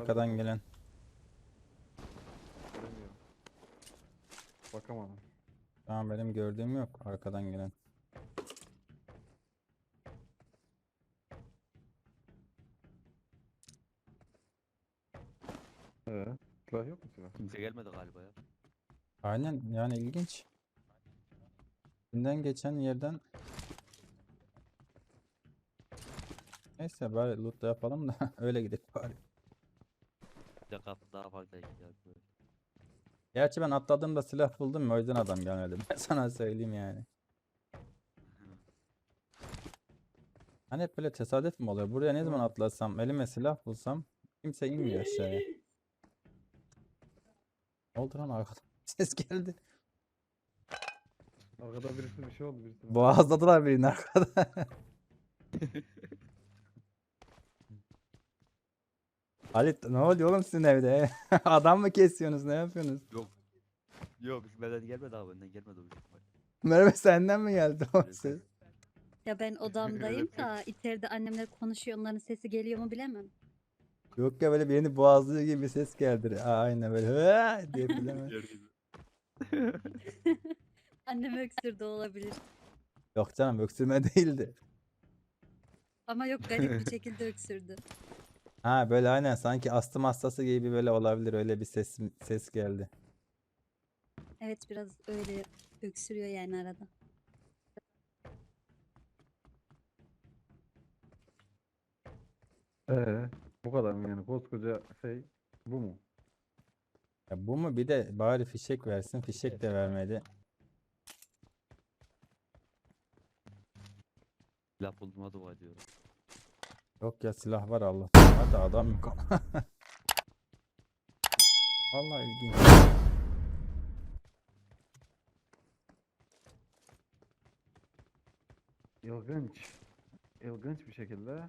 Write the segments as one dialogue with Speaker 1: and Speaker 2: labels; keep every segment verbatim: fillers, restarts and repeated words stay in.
Speaker 1: arkadan gelen.
Speaker 2: Bilmiyorum. Bakamadım.
Speaker 1: Tamam, benim gördüğüm yok arkadan gelen.
Speaker 2: Ee, silah yok mu silah?
Speaker 3: Kimse gelmedi galiba ya.
Speaker 1: Aynen, yani ilginç. Önden geçen yerden. Neyse, bari loot da yapalım da öyle gidelim bari.
Speaker 3: Bir de kapı daha fazla ihtiyaç böyle.
Speaker 1: Gerçi ben atladığımda silah buldum ya, o yüzden adam gelmedi. Ben sana söyleyeyim yani. Hani hep böyle tesadüf mü oluyor? Buraya ne zaman atlasam, elime silah bulsam kimse inmiyor aşağıya. Ne oldu lan arkadan? Ses geldi.
Speaker 2: Arkada birisi bir şey oldu birisi.
Speaker 1: Boğazladılar birini arkada. Halit, ne oluyor oğlum sizin evde? Adam mı kesiyorsunuz? Ne yapıyorsunuz?
Speaker 3: Yok. Yok bizim benden gelmedi abi, benden gelmedi o büyük ihtimal.
Speaker 1: Merve, senden mi geldi o
Speaker 3: Evet.
Speaker 1: ses?
Speaker 4: Ya ben odamdayım da içeride annemler konuşuyor, onların sesi geliyor mu bilemem.
Speaker 1: Yok ya, böyle birini boğazlıyor gibi bir ses geldi. Aa, aynen böyle "Hı!" diye bilemem.
Speaker 4: Annem öksürdü olabilir.
Speaker 1: Yok canım, öksürme değildi.
Speaker 4: Ama yok, garip bir şekilde öksürdü.
Speaker 1: Ha, böyle aynen sanki astım hastası gibi böyle olabilir, öyle bir ses ses geldi.
Speaker 4: Evet, biraz öyle öksürüyor yani arada.
Speaker 2: Ee, bu kadar mı yani koskoca şey bu mu?
Speaker 1: Ya bu mu, bir de bari fişek versin, fişek de vermedi.
Speaker 3: Silah bulduğuma dua ediyorum.
Speaker 1: Yok ya, silah var Allah'tan. Hadi adam yok ama. Vallahi ilginç.
Speaker 2: İlginç. İlginç bir şekilde.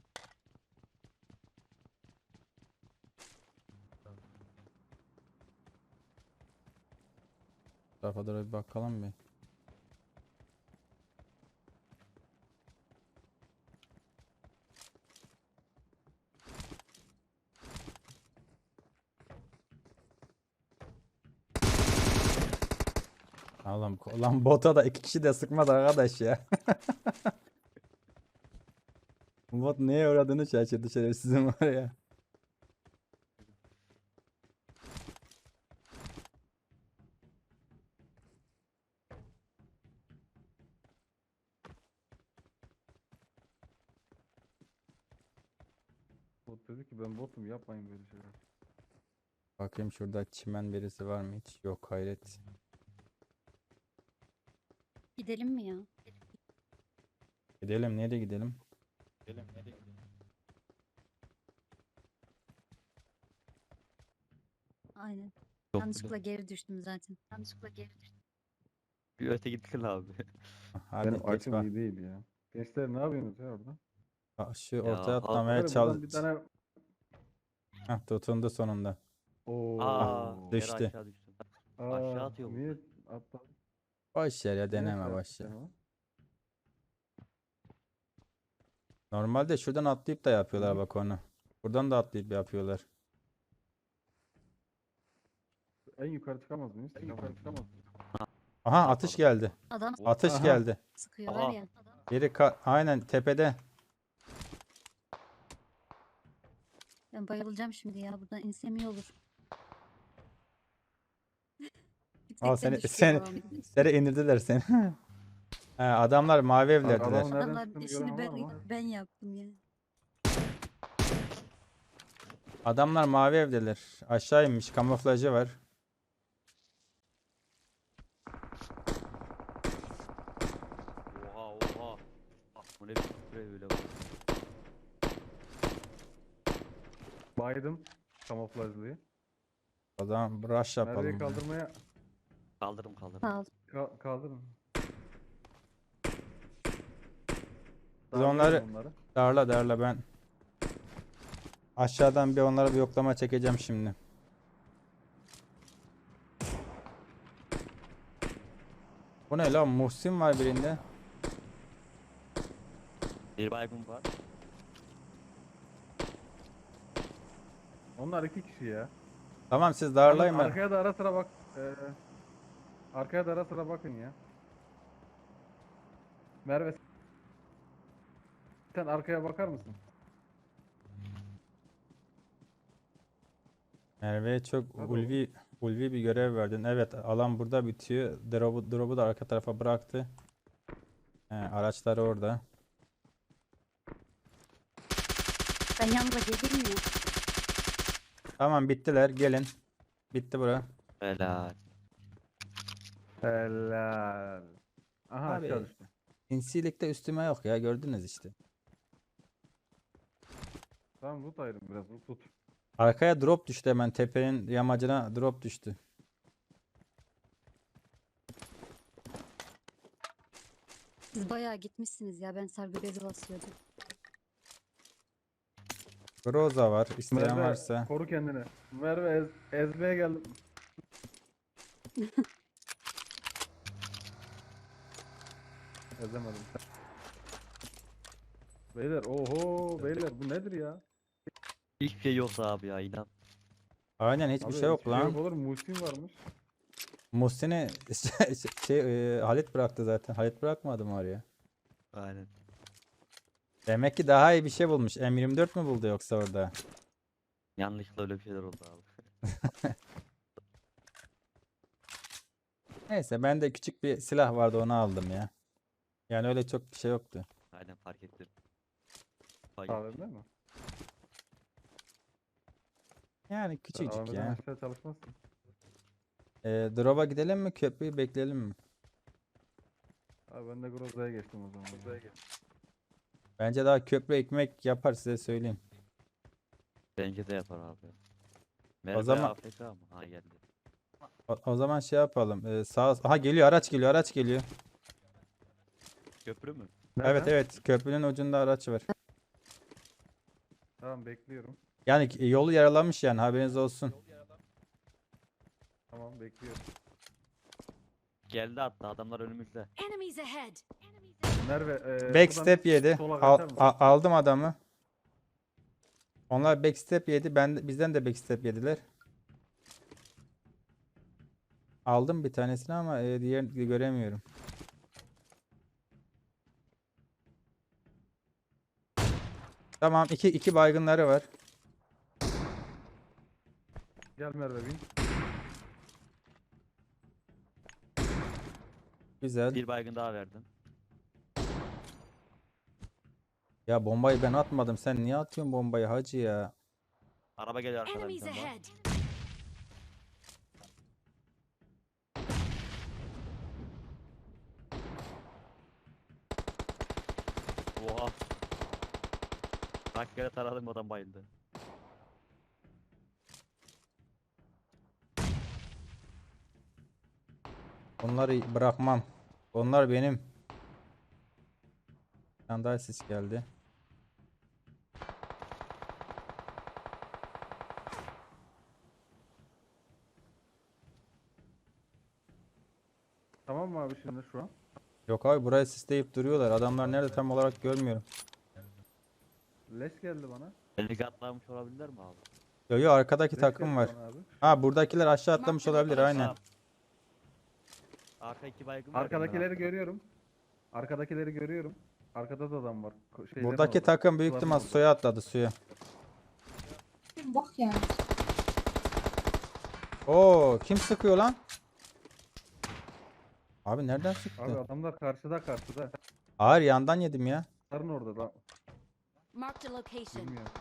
Speaker 1: Tarafa doğru bir bakalım bir. Allah'ım, lan bota da iki kişi de sıkmadı arkadaş ya. Bot neye uğradığını şaşırdı şerefsizim var ya.
Speaker 2: Bot dedi ki ben botum yapmayın böyle şeyler.
Speaker 1: Bakayım şurada çimen birisi var mı hiç? Yok, hayret.
Speaker 4: Gidelim mi ya?
Speaker 1: Gidelim, nereye gidelim? Gidelim, nereye gidelim?
Speaker 4: Aynen.
Speaker 3: Çok
Speaker 4: Yanlışlıkla geri düştüm zaten. Yanlışlıkla geri düştüm.
Speaker 3: bir öte gittin abi.
Speaker 1: Hadi
Speaker 2: Benim
Speaker 1: geç
Speaker 2: açım
Speaker 1: bak.
Speaker 2: iyi değil ya. Gençler ne yapıyorsunuz ya orada?
Speaker 1: Aa, şu
Speaker 3: Ya,
Speaker 1: ortaya
Speaker 3: al-
Speaker 1: atlamaya
Speaker 2: Böyle buradan
Speaker 1: çalış.
Speaker 2: bir tane...
Speaker 1: Heh, tutundu sonunda.
Speaker 2: Oo.
Speaker 3: Aa, yere
Speaker 1: düştü.
Speaker 3: aşağı düştüm.
Speaker 2: Aa,
Speaker 3: aşağı atıyor bu.
Speaker 2: niye atladın?
Speaker 1: Boş yer ya,
Speaker 2: Niye
Speaker 1: deneme
Speaker 2: aşağı
Speaker 1: boş yer.
Speaker 2: attın ama?
Speaker 1: Normalde şuradan atlayıp da yapıyorlar
Speaker 2: Hı.
Speaker 1: bak onu. Buradan da atlayıp yapıyorlar.
Speaker 2: En yukarı çıkamaz mıyız? En yukarı çıkamaz mıyız?
Speaker 1: Aha, atış geldi.
Speaker 4: Adam
Speaker 1: Atış
Speaker 2: Aha.
Speaker 1: geldi.
Speaker 4: sıkıyor var
Speaker 3: Aha.
Speaker 4: ya.
Speaker 1: Biri ka- aynen tepede.
Speaker 4: Ben bayılacağım şimdi ya. Buradan insem iyi olur.
Speaker 1: Al
Speaker 4: Yüksekten
Speaker 1: seni
Speaker 4: düşüyor
Speaker 1: seni
Speaker 4: babam.
Speaker 1: yere indirdiler seni. He, adamlar mavi evlerdiler.
Speaker 2: Adamın nereden
Speaker 4: Adamlar
Speaker 2: çıktığını
Speaker 4: işini
Speaker 2: gören var
Speaker 4: ben,
Speaker 2: mı?
Speaker 4: ben yaptım ya.
Speaker 1: Adamlar mavi evdeler. Aşağı inmiş, kamuflajı var.
Speaker 3: Oha oha. Bu ne bir sprey öyle bak.
Speaker 2: Baydım. Kamuflajlıyı.
Speaker 1: O zaman rush
Speaker 2: Merve'yi
Speaker 1: yapalım. ya.
Speaker 2: kaldırmaya
Speaker 3: Kaldırım kaldırım.
Speaker 4: Sağ ol.
Speaker 2: ka- kaldırın.
Speaker 1: Biz
Speaker 2: Darlayalım
Speaker 1: onları
Speaker 2: onları.
Speaker 1: darla darla ben. Aşağıdan bir onlara bir yoklama çekeceğim şimdi. Bu ne lan? Muhsin var birinde.
Speaker 3: Bir baygın var.
Speaker 2: Onlar iki kişi ya.
Speaker 1: Tamam siz
Speaker 2: Yalnız
Speaker 1: darlayın ben.
Speaker 2: arkaya da ara sıra bak. Ee, arkaya da ara sıra bakın ya. Merve sen arkaya bakar mısın?
Speaker 1: Merve'ye çok
Speaker 2: Hadi oğlum.
Speaker 1: ulvi ulvi bir görev verdin. Evet, alan burada bitiyor. Drop'u drop'u da arka tarafa bıraktı. He, araçları orada.
Speaker 4: Ben yanında geleyim mi?
Speaker 1: Tamam bittiler. Gelin. Bitti bura.
Speaker 3: Helal.
Speaker 2: Helal. Aha
Speaker 1: Abi.
Speaker 2: aşağı düştü.
Speaker 1: Sinsilikte üstüme yok ya, gördünüz işte.
Speaker 2: Tamam tut ayrım biraz tut.
Speaker 1: Arkaya drop düştü, hemen tepenin yamacına drop düştü.
Speaker 4: Siz bayağı gitmişsiniz ya. Ben sargı bezi basıyordum.
Speaker 1: Groza var. İsteyen
Speaker 2: Merve
Speaker 1: varsa.
Speaker 2: koru kendini. Merve ez, ezmeye geldim. Ezemedim. Beyler oho beyler bu nedir ya?
Speaker 3: Hiçbir şey yoksa abi ya inan.
Speaker 1: Aynen hiçbir
Speaker 2: Abi
Speaker 1: şey yok
Speaker 2: hiçbir
Speaker 1: lan.
Speaker 2: yok olur Muhsin varmış.
Speaker 1: Muhsin'i şey, şey, e, Halit bıraktı zaten. Halit bırakmadı mı oraya?
Speaker 3: Aynen.
Speaker 1: Demek ki daha iyi bir şey bulmuş. M yirmi dört mü buldu yoksa orada?
Speaker 3: Yanlışlıkla öyle bir şeyler oldu abi.
Speaker 1: Neyse, bende küçük bir silah vardı, onu aldım ya. Yani öyle çok bir şey yoktu.
Speaker 3: Aynen fark ettim. Fark
Speaker 2: Sağ
Speaker 3: ettim.
Speaker 2: değil mi?
Speaker 1: Yani
Speaker 2: Sen
Speaker 1: küçücük
Speaker 2: A V M'den
Speaker 1: ya.
Speaker 2: aşağı çalışmazsın.
Speaker 1: Ee, drop'a gidelim mi, köprüyü bekleyelim mi?
Speaker 2: Abi ben de Groza'ya geçtim o zaman. Groza'ya geçtim.
Speaker 1: Bence daha köprü ekmek yapar, size söyleyeyim.
Speaker 3: Bence de yapar abi. Merve
Speaker 1: zaman-
Speaker 3: A F K mı? Ha geldi.
Speaker 1: O, o zaman şey yapalım. Ee, sağ Aha, geliyor, araç geliyor, araç geliyor.
Speaker 3: Köprü mü?
Speaker 1: Evet
Speaker 2: Nereden?
Speaker 1: evet, köprünün ucunda araç var.
Speaker 2: Tamam bekliyorum.
Speaker 1: Yani ki- yolu yaralamış, yani haberiniz olsun.
Speaker 2: Tamam bekliyorum.
Speaker 3: Geldi hatta adamlar önümüzde.
Speaker 5: Enemies ahead.
Speaker 2: Merve e,
Speaker 1: Backstep
Speaker 2: buradan
Speaker 1: yedi.
Speaker 2: sola
Speaker 1: Al-
Speaker 2: kaçar mısın?
Speaker 1: a- aldım adamı. Onlar backstep yedi. Ben de- bizden de backstep yediler. Aldım bir tanesini ama e, diğerini göremiyorum. Tamam, iki iki baygınları var.
Speaker 2: Gel Merve bin.
Speaker 1: Güzel.
Speaker 3: Bir baygın daha verdim.
Speaker 1: Ya bombayı ben atmadım. Sen niye atıyorsun bombayı hacı ya?
Speaker 3: Araba geliyor arkadan bir
Speaker 5: Enemies
Speaker 3: tane daha.
Speaker 5: ahead.
Speaker 3: Oha. Kaç kere taradım adam bayıldı.
Speaker 1: Onları bırakmam. Onlar benim. Bir tane daha ses geldi.
Speaker 2: Tamam mı abi şimdi şu an?
Speaker 1: Yok abi, burayı sisleyip duruyorlar. Adamlar nerede tam olarak görmüyorum.
Speaker 2: Leş geldi bana.
Speaker 3: Beni atlamış olabilirler mi abi?
Speaker 1: Yo yo, arkadaki
Speaker 2: Leş
Speaker 1: takım
Speaker 2: geldi
Speaker 1: var.
Speaker 2: bana abi.
Speaker 1: Ha, buradakiler aşağı atlamış olabilir aynen.
Speaker 3: Tamam. Arka iki baygın var. benim
Speaker 2: Arkadakileri
Speaker 3: arkada.
Speaker 2: görüyorum. Arkadakileri görüyorum. Arkada da adam var. Ko- şeylerin
Speaker 1: Buradaki
Speaker 2: orada.
Speaker 1: takım büyük
Speaker 2: Suların
Speaker 1: ihtimal
Speaker 2: orada.
Speaker 1: suya atladı, suya.
Speaker 6: Bak ya.
Speaker 1: Oo, kim sıkıyor lan? Abi nereden
Speaker 2: Abi
Speaker 1: sıktı?
Speaker 2: adamlar karşıda karşıda.
Speaker 1: Hayır, yandan yedim ya.
Speaker 2: Sarın orada da.
Speaker 5: Marked a location.
Speaker 2: Bilmiyorum.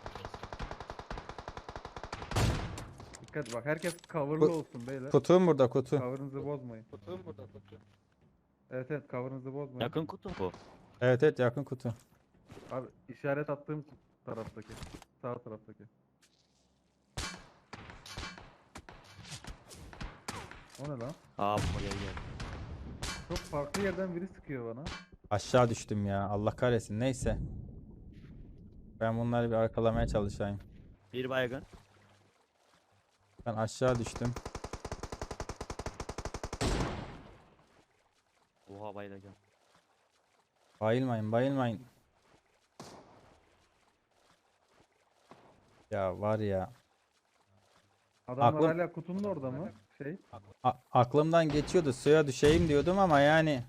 Speaker 2: Dikkat bak herkes coverlı
Speaker 1: Bu-
Speaker 2: olsun beyler.
Speaker 1: Kutum burada, kutu.
Speaker 2: Cover'ınızı bozmayın. Kutum burada kutu. Evet evet cover'ınızı bozmayın.
Speaker 3: Yakın kutu bu.
Speaker 1: Evet evet, yakın kutu.
Speaker 2: Abi işaret attığım taraftaki. Sağ taraftaki. O ne lan?
Speaker 3: Aa buraya geldi.
Speaker 2: Çok farklı yerden biri sıkıyor bana.
Speaker 1: Aşağı düştüm ya. Allah kahretsin. Neyse. Ben bunları bir arkalamaya çalışayım.
Speaker 3: Bir baygın.
Speaker 1: Ben aşağı düştüm.
Speaker 3: Oha bayılacağım.
Speaker 1: Bayılmayın, bayılmayın. Ya var ya.
Speaker 2: Adamlar
Speaker 1: Aklım-
Speaker 2: hala kutunun orada mı? Şey.
Speaker 1: A- aklımdan geçiyordu suya düşeyim diyordum ama yani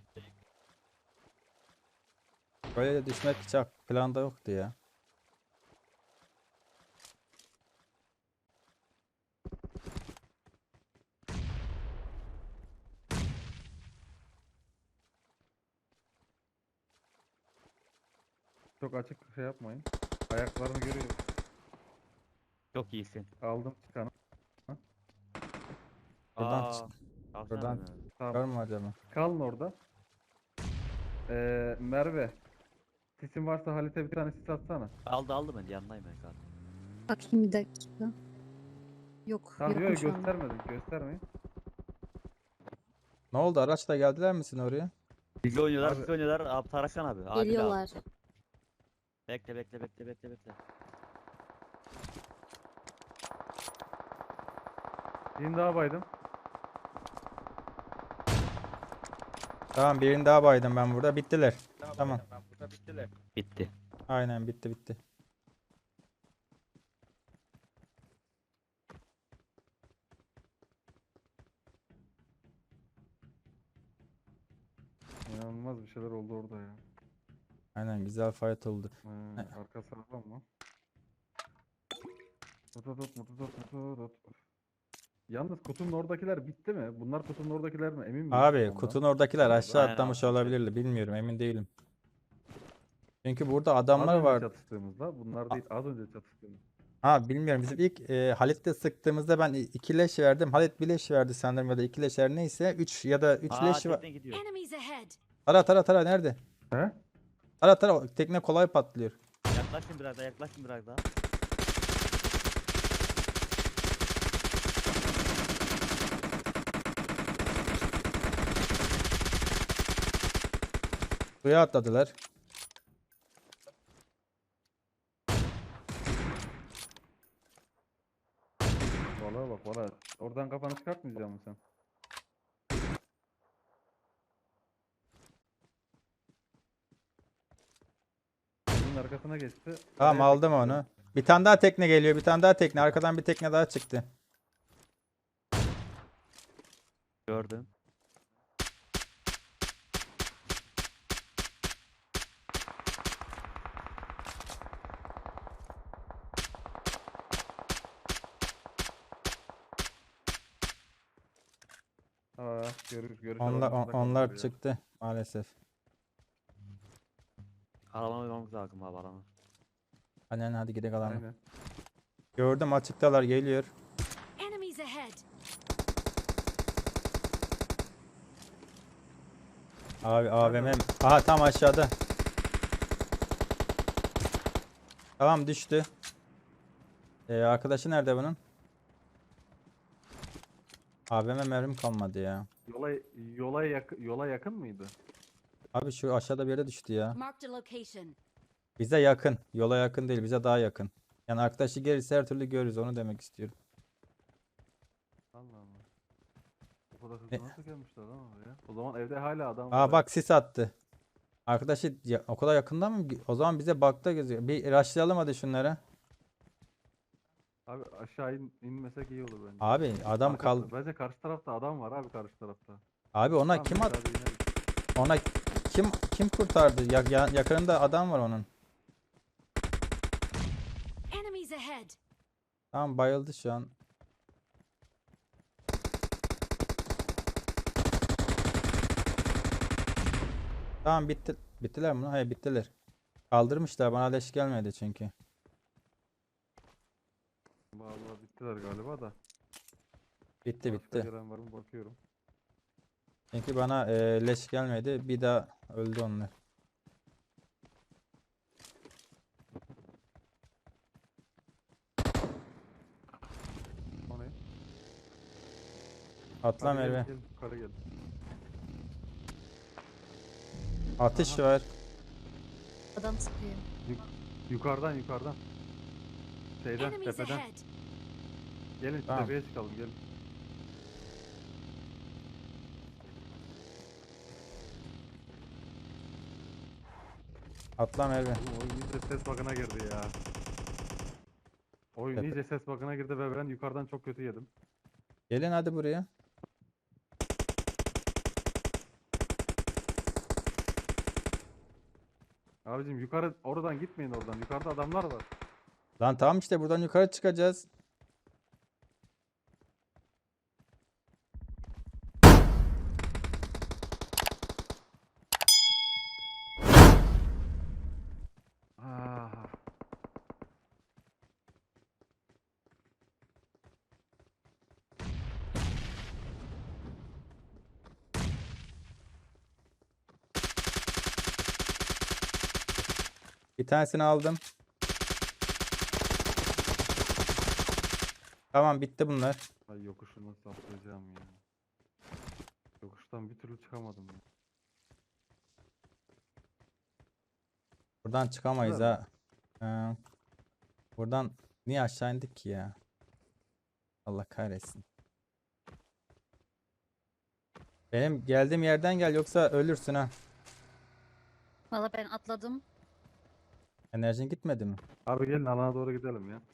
Speaker 1: böyle de düşmek hiç ak- planda yoktu ya.
Speaker 2: Çok açık şey yapmayın. Ayaklarını görüyorum.
Speaker 3: Çok iyisin.
Speaker 2: Aldım çıkanı.
Speaker 1: Buradan
Speaker 3: Aa,
Speaker 1: çık-
Speaker 3: kalksana
Speaker 1: buradan-
Speaker 3: Mehmet abi.
Speaker 2: Tamam.
Speaker 1: Var mı acaba?
Speaker 2: Kalın orada. Ee, Merve. Sisin varsa Halit'e bir tane sis atsana.
Speaker 3: Aldı aldı ben yanındayım ben kaldım.
Speaker 4: Bakayım bir dakika. Yok,
Speaker 2: Tamam yok
Speaker 4: yokmuş anda.
Speaker 2: göstermedim. Göstermeyin.
Speaker 1: Ne oldu? Araçla geldiler misin oraya?
Speaker 3: Bizi oynuyorlar,
Speaker 2: Abi-
Speaker 3: bizi oynuyorlar. Abi Tarakan abi. Adil abi.
Speaker 4: Geliyorlar.
Speaker 3: Bekle bekle bekle bekle bekle.
Speaker 2: Birini daha baydım.
Speaker 1: Tamam, birini daha baydım ben burada. Bittiler. Tamam.
Speaker 3: Bitti.
Speaker 1: Aynen bitti bitti.
Speaker 2: İnanılmaz bir şeyler oldu orada ya.
Speaker 1: Aynen güzel fight oldu.
Speaker 2: Ee,
Speaker 1: He.
Speaker 2: arka sağlam mı? Tut tut tut tut tut tut tut. Yalnız kutunun oradakiler bitti mi? Bunlar kutunun oradakiler mi? Emin miyiz
Speaker 1: Abi
Speaker 2: ondan?
Speaker 1: kutunun oradakiler aşağı
Speaker 3: Aynen
Speaker 1: atlamış
Speaker 3: abi.
Speaker 1: olabilirdi. Bilmiyorum, emin değilim. Çünkü burada
Speaker 2: Az
Speaker 1: adamlar
Speaker 2: önce
Speaker 1: var.
Speaker 2: çatıştığımızda bunlar değil az önce çatıştığımız.
Speaker 1: Ha bilmiyorum. Bizim ilk e, Halit'le sıktığımızda ben i- iki leş verdim. Halit bir leş verdi sanırım ya da iki leş her neyse. Üç ya da üç
Speaker 3: Aa
Speaker 1: leş var.
Speaker 3: tekne gidiyor.
Speaker 5: Enemies ahead.
Speaker 1: Tara tara tara nerede?
Speaker 2: He?
Speaker 1: Tara tara o tekne kolay patlıyor.
Speaker 3: Yaklaşın biraz daha yaklaşın biraz daha.
Speaker 1: Suya atladılar.
Speaker 2: Valla bak valla. Oradan kafanı çıkartmayacak mısın sen? Bunun arkasına geçti.
Speaker 1: Tamam
Speaker 2: Araya
Speaker 1: aldım
Speaker 2: çekildi.
Speaker 1: onu. Bir tane daha tekne geliyor. Bir tane daha tekne. Arkadan bir tekne daha çıktı.
Speaker 3: Gördüm.
Speaker 2: Aa, görür, görüş
Speaker 1: Onlar
Speaker 2: alanımızda
Speaker 1: on- onlar
Speaker 2: kaldılar ya.
Speaker 1: çıktı maalesef.
Speaker 3: Alana uymamız lazım abi alana.
Speaker 1: Aynen hadi gidelim alana.
Speaker 2: Aynen.
Speaker 1: Gördüm açıktalar geliyor.
Speaker 5: Enemies ahead.
Speaker 1: Abi A V M. Aha tam aşağıda. Tamam düştü. Ee, arkadaşı nerede bunun? A V M mermim kalmadı ya.
Speaker 2: Yola yola yak yola yakın mıydı?
Speaker 1: Abi şu aşağıda bir yere düştü ya.
Speaker 5: Marked a location.
Speaker 1: Bize yakın. Yola yakın değil. Bize daha yakın. Yani arkadaşı gelirse her türlü görürüz. Onu demek istiyorum.
Speaker 2: Allah Allah. O kadar hızlı
Speaker 1: E-
Speaker 2: nasıl gelmişler lan oraya? O zaman evde hala adam var.
Speaker 1: Aa
Speaker 2: ha.
Speaker 1: bak sis attı. Arkadaşı ya, o kadar yakında mı? O zaman bize bakta gözüküyor. Bir rushlayalım hadi şunlara.
Speaker 2: Abi aşağı in, inmesek iyi olur bence.
Speaker 1: Abi adam
Speaker 2: Arkası-
Speaker 1: kal.
Speaker 2: Bence karşı tarafta adam var abi karşı tarafta.
Speaker 1: Abi ona
Speaker 2: Tamam,
Speaker 1: kim
Speaker 2: neyse,
Speaker 1: at?
Speaker 2: hadi ineriz.
Speaker 1: Ona kim kim kurtardı? Ya, ya- yakınında adam var onun.
Speaker 5: Enemies ahead.
Speaker 1: Tamam bayıldı şu an. Tamam bitti. Bittiler mi? Hayır bittiler. Kaldırmışlar. Bana leş gelmedi çünkü.
Speaker 2: Vallahi bittiler galiba da.
Speaker 1: Bitti
Speaker 2: Başka
Speaker 1: bitti.
Speaker 2: gelen var mı bakıyorum.
Speaker 1: Çünkü bana e, leş gelmedi. Bir daha öldü onlar.
Speaker 2: O ne?
Speaker 1: Atla
Speaker 2: Hadi gelin,
Speaker 1: Merve.
Speaker 2: gelin, yukarı gelin.
Speaker 1: Atış
Speaker 2: Aha.
Speaker 1: var.
Speaker 4: Adam sıkıyor.
Speaker 2: Yukarıdan yukarıdan. Şeyden
Speaker 5: Enemies
Speaker 2: tepeden.
Speaker 5: ahead.
Speaker 2: Gelin şu
Speaker 1: Tamam.
Speaker 2: tepeye çıkalım gelin.
Speaker 1: Atla Merve.
Speaker 2: Oğlum oyun iyice ses bakına girdi ya. Oyun
Speaker 1: Tepe-
Speaker 2: iyice ses bakına girdi ve ben yukarıdan çok kötü yedim.
Speaker 1: Gelin hadi buraya.
Speaker 2: Abicim yukarı oradan gitmeyin oradan. Yukarıda adamlar var.
Speaker 1: Lan tamam işte buradan yukarı çıkacağız.
Speaker 2: Ah.
Speaker 1: Bir tanesini aldım. Tamam bitti bunlar.
Speaker 2: Ay yokuşu nasıl atlayacağım ya. Yokuştan bir türlü çıkamadım ya.
Speaker 1: Buradan çıkamayız
Speaker 2: Güzel
Speaker 1: ha. Ee, buradan niye aşağı indik ki ya? Allah kahretsin. Benim geldiğim yerden gel yoksa ölürsün ha.
Speaker 4: Valla ben atladım.
Speaker 1: Enerjin gitmedi mi?
Speaker 2: Abi gelin alana doğru gidelim ya.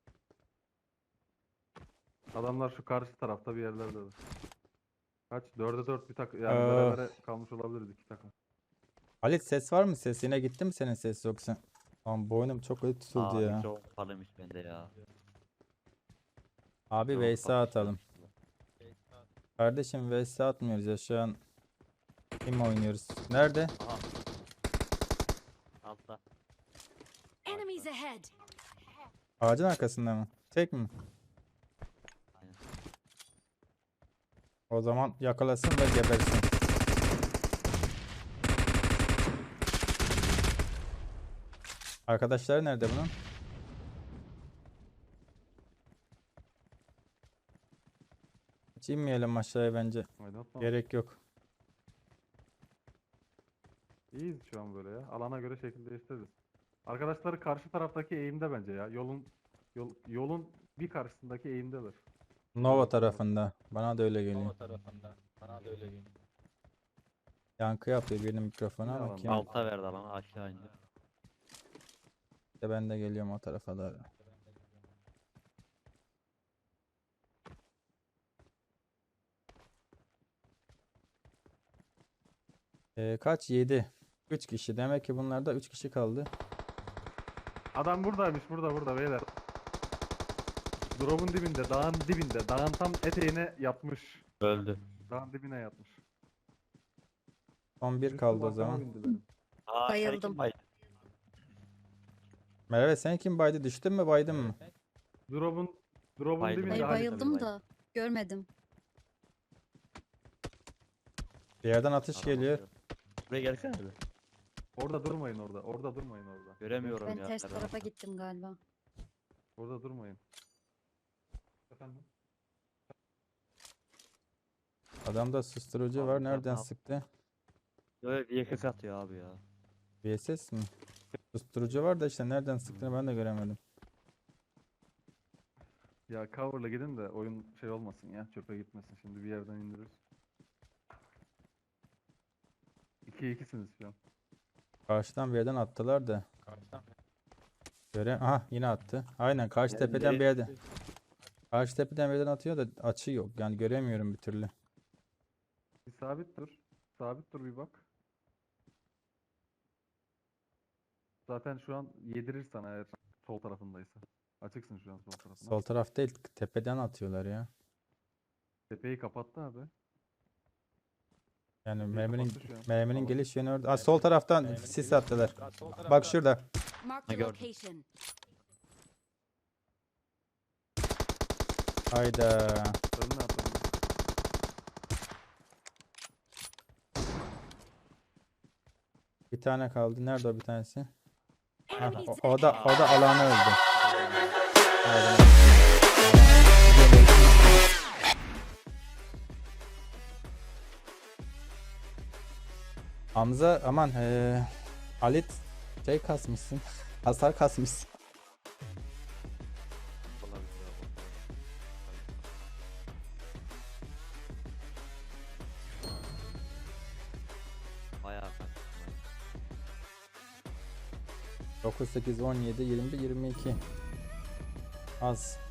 Speaker 2: Adamlar şu karşı tarafta bir yerlerde. Kaç? Dörde dört bir takım. Yani
Speaker 1: Ah.
Speaker 2: berabere kalmış olabiliriz iki takım.
Speaker 1: Halit ses var mı? Ses yine gitti mi senin ses yoksa? Aman boynum çok kötü tutuldu
Speaker 3: Aa,
Speaker 1: ya.
Speaker 3: çok parlamış bende ya.
Speaker 1: Abi
Speaker 3: Çok
Speaker 1: V S
Speaker 3: parlamış.
Speaker 1: atalım. Kardeşim V S atmıyoruz ya şu an. Kim oynuyoruz? Nerede?
Speaker 3: Aha. Altta.
Speaker 5: Enemies ahead.
Speaker 1: Ağacın arkasında mı? Tek mi?
Speaker 3: Aynen.
Speaker 1: O zaman yakalasın ve gebersin. Arkadaşları nerede bunun? Hiç inmeyelim aşağıya bence.
Speaker 2: Oynatma.
Speaker 1: Gerek yok.
Speaker 2: İyiyiz şu an böyle ya. Alana göre şekil değiştiririz. Arkadaşları karşı taraftaki eğimde bence ya. Yolun yol, yolun bir karşısındaki eğimdeler.
Speaker 1: Nova tarafında. Bana da öyle geliyor. Nova tarafında. Bana da öyle geliyor. Yankı yapıyor birinin mikrofonu
Speaker 2: Ne
Speaker 1: ama
Speaker 2: alan?
Speaker 1: kim?
Speaker 3: Alta verdi alanı aşağı indi.
Speaker 1: İşte ben de geliyorum o tarafa doğru. Ee, kaç? yedi. üç kişi. Demek ki bunlarda üç kişi kaldı.
Speaker 2: Adam buradaymış burada burada beyler. Drop'un dibinde, dağın dibinde. Dağın tam eteğine yatmış.
Speaker 3: Öldü.
Speaker 2: Dağın dibine yatmış.
Speaker 1: Son bir
Speaker 2: Üstüm
Speaker 1: kaldı o
Speaker 2: arkama
Speaker 1: zaman.
Speaker 2: bindi benim.
Speaker 3: Aa,
Speaker 4: Bayıldım.
Speaker 3: Şerikim bayıldı.
Speaker 1: Merve sen kim baydı? Düştün mü baydın mı?
Speaker 2: Drop'un Drop'un
Speaker 3: Bayıldım.
Speaker 2: dibinde
Speaker 4: Ay
Speaker 3: Hayır,
Speaker 2: Halit.
Speaker 4: bayıldım
Speaker 3: bay-
Speaker 4: da görmedim.
Speaker 1: Bir yerden atış
Speaker 3: Adam
Speaker 1: geliyor.
Speaker 3: atıyor. Buraya gelsene bir.
Speaker 2: Orada durmayın orada. Orada durmayın orada.
Speaker 3: Göremiyorum
Speaker 4: Ben
Speaker 3: ya.
Speaker 4: ters
Speaker 3: nereden
Speaker 4: tarafa
Speaker 3: attı.
Speaker 4: gittim galiba.
Speaker 2: Orada durmayın. Efendim?
Speaker 1: Adamda susturucu
Speaker 3: Abi
Speaker 1: var.
Speaker 3: sen ne
Speaker 1: Nereden
Speaker 3: yap-
Speaker 1: sıktı?
Speaker 3: Böyle bir yakık atıyor abi ya.
Speaker 1: V S S mi? Susturucu var da işte nereden sıktığını ben de göremedim.
Speaker 2: Ya cover'la gidin de oyun şey olmasın ya. Çöpe gitmesin. Şimdi bir yerden indiririz. ikiye ikisiniz şu an.
Speaker 1: Karşıdan bir yerden attılar da. Göre aha yine attı. Aynen karşı
Speaker 3: Yani
Speaker 1: tepeden
Speaker 3: biri-
Speaker 1: bir yerden. Karşı tepeden bir yerden atıyor da açı yok. Yani göremiyorum bir türlü.
Speaker 2: Bir sabit dur. Sabit dur bir bak. Zaten şu an yedirir sana eğer sol tarafındaysa. Açıksın şu an sol tarafına.
Speaker 1: Sol taraf değil tepeden atıyorlar ya.
Speaker 2: Tepeyi kapattı abi.
Speaker 1: Yani
Speaker 2: Tepeyi
Speaker 1: merminin
Speaker 2: kapattı şu an.
Speaker 1: merminin
Speaker 2: Tamam.
Speaker 1: geliş yönü orada. Aa, sol taraftan sis attılar. Bak şurada.
Speaker 5: Marked a
Speaker 3: gördüm.
Speaker 5: location.
Speaker 1: Hayda.
Speaker 2: Önüne at önüne.
Speaker 1: Bir tane kaldı. Nerede o bir tanesi? Hah,
Speaker 5: Enemies
Speaker 1: o, o da o da alanı öldü. Aynen. Hamza aman eee Halit şey kasmışsın. Hasar kasmışsın.
Speaker 3: Olabilir ya, olabilir. Bayağı kaçtı.
Speaker 1: dokuz, sekiz, on yedi, yirmi bir, yirmi iki. Az.